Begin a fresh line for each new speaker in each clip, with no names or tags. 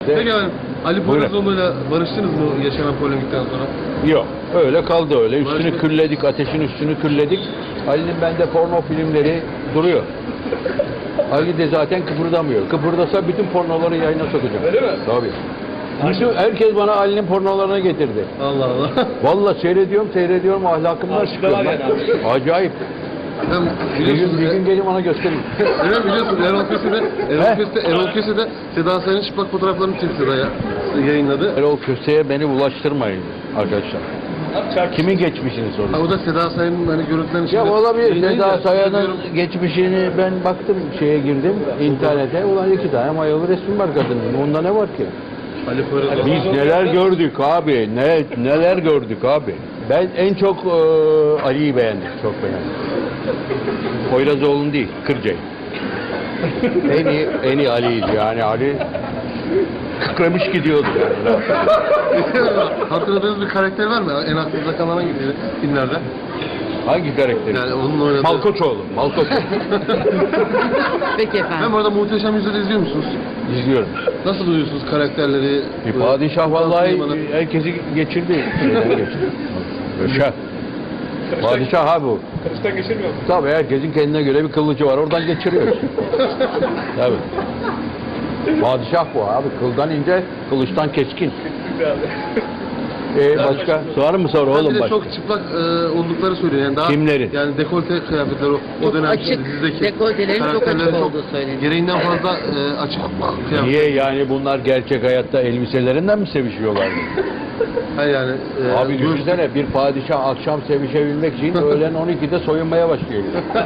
Peki efendim, Ali
Buyurun.
Poyrazoğlu'yla barıştınız mı yaşanan polemikten sonra?
Yok. Öyle kaldı öyle. Üstünü
Barışma-
külledik, ateşin üstünü külledik. Ali'nin bende porno filmleri duruyor. Ali de zaten kıpırdamıyor. Kıpırdasa bütün pornoları yayına sokacağım.
Öyle mi?
Tabii. Bütün, herkes bana Ali'nin pornolarını getirdi.
Allah Allah.
Vallahi seyrediyorum ahlakımdan çıkıyor. Acayip.
Hem
Bir gün
biliyorsunuz,
gelin bana gösterin.
evet, biliyorsunuz Erol Köse de Seda Sayan'ın çıplak fotoğraflarını Twitter'da yayınladı.
Erol Köse'ye beni bulaştırmayın arkadaşlar. Kimin geçmişini
Ha,
soruyor?
o da Seda Sayan'ın hani görüntülerini
Ya olabilir.
yayınlayınca
Seda Sayan'ın
diyorum,
geçmişini ben baktım şeye girdim internete. Ulan 2 tane mayalı resmi var kadının. Onda ne var ki?
Ali Poyrazoğlu.
Biz neler gördük abi. Neler gördük abi. Ben en çok Ali'yi beğendim. Çok beğendim. Poyrazoğlu'nu değil, Kırca'yı. en iyi Ali'ydi yani. Ali kıkramış gidiyordu yani.
Hatırladığınız bir karakter var mı? En aklınıza kalan hangi filmlerde?
Hangi karakteri?
Yani onun oynadığı...
Malkoçoğlu.
Peki efendim.
Hem orada Muhteşem Yüzyıl'ı izliyor musunuz?
İzliyorum.
Nasıl buluyorsunuz karakterleri?
Bir padişah vallahi herkesi geçirdi. Şah. Padişah abi bu.
Kılıçtan geçirmiyor mu?
Tabii herkesin kendine göre bir kılıcı var. Oradan geçiriyor. Tabii. Padişah bu abi. Kıldan ince, kılıçtan keskin. Başka? Var mı soru
Ben
oğlum
bir de
başka?
çok çıplak oldukları söylüyor. Yani daha,
Kimlerin?
Yani dekolte kıyafetler o
Çok
dönem
açık,
dizideki
dekoltelerin çok
karakterlerin
açık olduğu söyleniyor.
gereğinden fazla açık kıyafet.
Niye yani bunlar gerçek hayatta elbiselerinden mi sevişiyorlar?
Hayır yani.
Abi düşünsene bir padişah akşam sevişebilmek için öğlen 12'de soyunmaya başlıyor.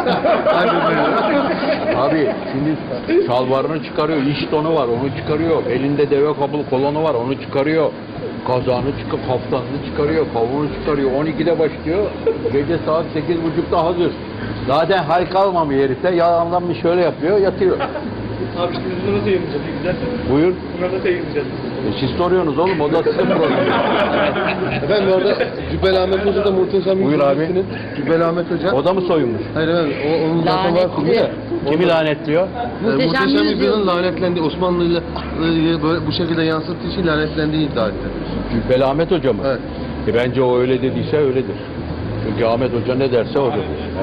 Abi şimdi şalvarını çıkarıyor, iş donu var onu çıkarıyor, elinde deve kabul kolonu var onu çıkarıyor, kazağını çıkıp kaftanını çıkarıyor, kavuğunu çıkarıyor, 12'de başlıyor, gece saat 8.30'da hazır. Zaten hal kalmamış herifte, yalandan bir şöyle yapıyor, yatıyor.
Abi şimdi bunu nasıl yayınlayacağız? Güzel.
Buyur.
Bunları nasıl yayınlayacağız?
Siz soruyorsunuz oğlum, o da sizin problemi.
Efendim orada Cübbeli Ahmet Hoca da Muhteşem
Buyur abi.
Yüzyıl'ın Cübbeli Ahmet Hoca.
O da mı soyunmuş?
Hayır efendim onun zaten var filmi de.
Kimi lanetliyor?
Muhteşem
Yüzyıl.
Yüzyıl'ın lanetlendiği, Osmanlı'yla böyle bu şekilde yansıttığı için lanetlendiği iddia etti.
Cübbeli Ahmet Hoca mı?
Evet.
Bence o öyle dediyse öyledir. Çünkü Ahmet Hoca ne derse odur.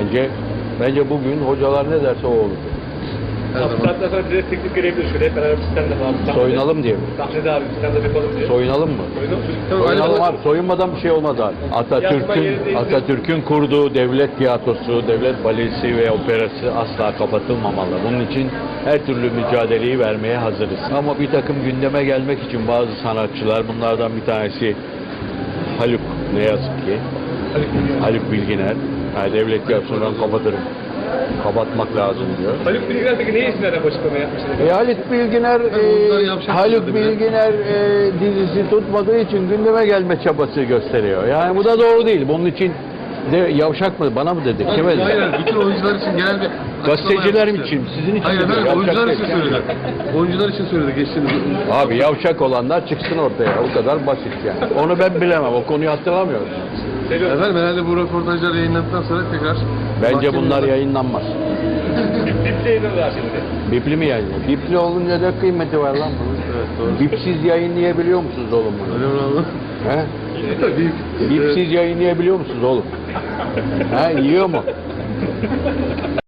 Bence bugün hocalar ne derse o olur.
Her
Abi
zaman.
saatten sonra direkt teklif gelebilir. Şöyle hep beraber sistemde falan.
Soyunalım diye mi?
Sahnede abi sistemde yapalım diye.
Soyunalım mı?
Tamam,
Soyunalım
Ali-
abi. Soyunmadan bir şey olmaz abi. Atatürk'ün kurduğu devlet tiyatrosu, devlet balesi ve operası asla kapatılmamalı. Bunun için her türlü mücadeleyi vermeye hazırız. Ama bir takım gündeme gelmek için bazı sanatçılar, bunlardan bir tanesi Haluk, ne yazık ki. Haluk Bilginer. Yani devlet tiyatrosundan kapatırım. Kapatmak lazım diyor.
Haluk Bilginer peki ne isimlerden bu açıklamayı yapmışlar?
Haluk Bilginer,
bunlar yavşak
Haluk
söyledi bile.
Bilginer dizisi tutmadığı için gündeme gelme çabası gösteriyor. Yani bu da doğru değil. Bunun için de yavşak mı? Bana mı dedi? Kime dedi?
Hayır, bütün oyuncular için genel bir
Gazeteciler
açıklama
için, sizin için
Hayır
diyor,
efendim,
yavşak
oyuncular
değil.
için söyledi. Oyuncular için söyledi geçtiğimiz.
Abi yavşak olanlar çıksın ortaya. O kadar basit yani. Onu ben bilemem. O konuyu hatırlamıyorum.
Efendim herhalde bu röportajlar yayınlandıktan sonra tekrar...
Bence
mahkemeye-
bunlar yayınlanmaz.
Bip'te yayınladılar şimdi.
Bipli mi yayınlıyor? Bipli olunca da kıymeti var lan bunun.
Evet doğru.
Bipsiz yayınlayabiliyor musunuz oğlum bunu?
Öyle mi abi?
He?
Bip.
Bipsiz yayınlayabiliyor musunuz oğlum? Ha, yiyor mu?